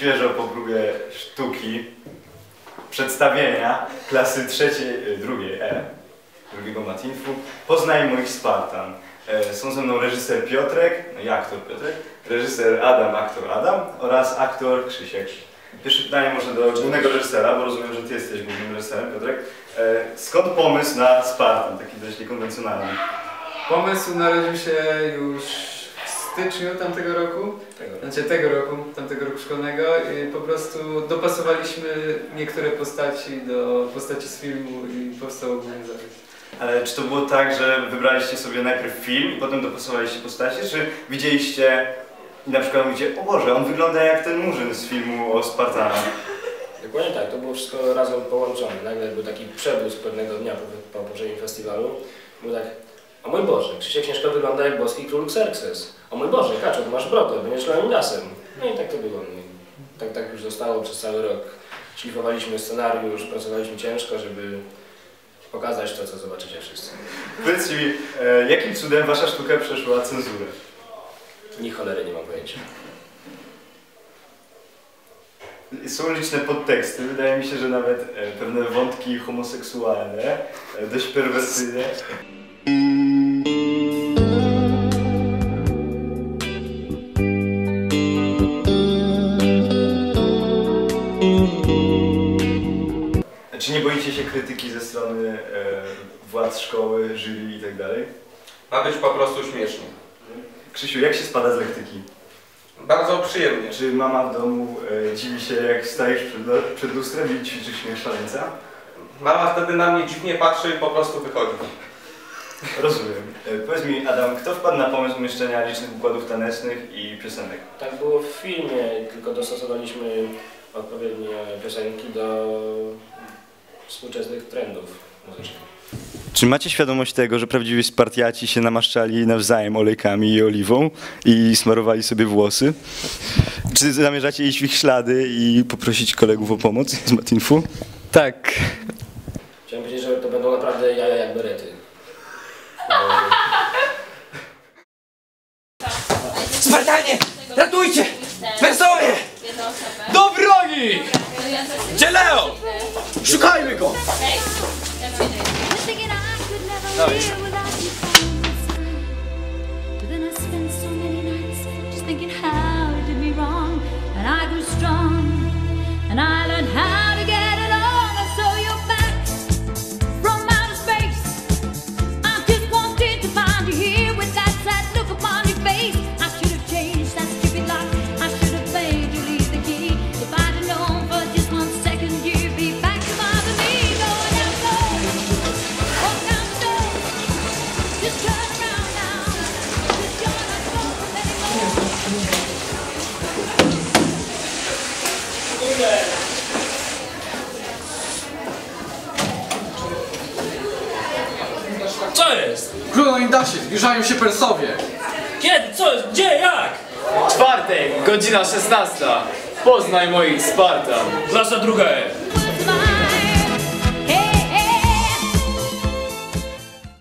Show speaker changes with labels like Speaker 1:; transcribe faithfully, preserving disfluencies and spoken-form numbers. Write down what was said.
Speaker 1: świeżo po próbie sztuki przedstawienia klasy trzeciej, drugiej E, drugiego Matinfu, Poznaj moich Spartan. Są ze mną reżyser Piotrek, no i aktor Piotrek, reżyser Adam, aktor Adam oraz aktor Krzysiek. Pierwsze pytanie może do głównego reżysera, bo rozumiem, że ty jesteś głównym reżyserem, Piotrek. Skąd pomysł na Spartan, taki dość niekonwencjonalny?
Speaker 2: Pomysł narodził się już w styczniu tamtego roku, tego. znaczy tego roku, tamtego roku szkolnego i po prostu dopasowaliśmy niektóre postaci do postaci z filmu i powstał ogólny zarys.
Speaker 1: Ale czy to było tak, że wybraliście sobie najpierw film i potem dopasowaliście postacie, czy widzieliście i na przykład mówicie, o Boże, on wygląda jak ten murzyn z filmu o Spartanach?
Speaker 3: Dokładnie tak, to było wszystko razem połączone. Nagle był taki przebłysk pewnego dnia po, po poprzednim festiwalu. Był tak, o mój Boże, Krzysiek Śnieżko wygląda jak boski król Xerxes. O mój Boże, Kaczor, masz brodę, będziesz Leonidasem. No i tak to było. Tak, tak już zostało przez cały rok. Szlifowaliśmy scenariusz, pracowaliśmy ciężko, żeby pokazać to, co zobaczycie wszyscy.
Speaker 1: Powiedz mi, e, jakim cudem wasza sztuka przeszła cenzurę?
Speaker 3: Ni cholery nie mam pojęcia.
Speaker 1: Są liczne podteksty, wydaje mi się, że nawet e, pewne wątki homoseksualne, e, dość perwersyjne. Czy nie boicie się krytyki ze strony e, władz szkoły, jury i tak dalej?
Speaker 4: Ma być po prostu śmiesznie.
Speaker 1: Krzysiu, jak się spada z lektyki?
Speaker 4: Bardzo przyjemnie.
Speaker 1: Czy mama w domu e, dziwi się, jak stajesz przed, przed lustrem i ćwiczysz śmiech szaleńca?
Speaker 4: Mama wtedy na mnie dziwnie patrzy i po prostu wychodzi.
Speaker 1: Rozumiem. E, powiedz mi, Adam, kto wpadł na pomysł umieszczenia licznych układów tanecznych i piosenek?
Speaker 3: Tak było w filmie, tylko dostosowaliśmy odpowiednie piosenki do współczesnych trendów muzycznych.
Speaker 1: Czy macie świadomość tego, że prawdziwi Spartiaci się namaszczali nawzajem olejkami i oliwą i smarowali sobie włosy? Czy zamierzacie iść w ich ślady i poprosić kolegów o pomoc z Matinfu?
Speaker 2: Tak.
Speaker 3: Chciałem powiedzieć, że to będą naprawdę jaja jak berety.
Speaker 5: Spartanie! Ratujcie! Persowie! Do broni! Gdzie Leo? Szukajmy go! Dawaj. Co jest? Królu Leonidasie, zbliżają się Persowie.
Speaker 6: Kiedy? Co jest? Gdzie? Jak?
Speaker 7: Czwartek, godzina szesnasta. Poznaj moich Spartan.
Speaker 6: Klasa druga E.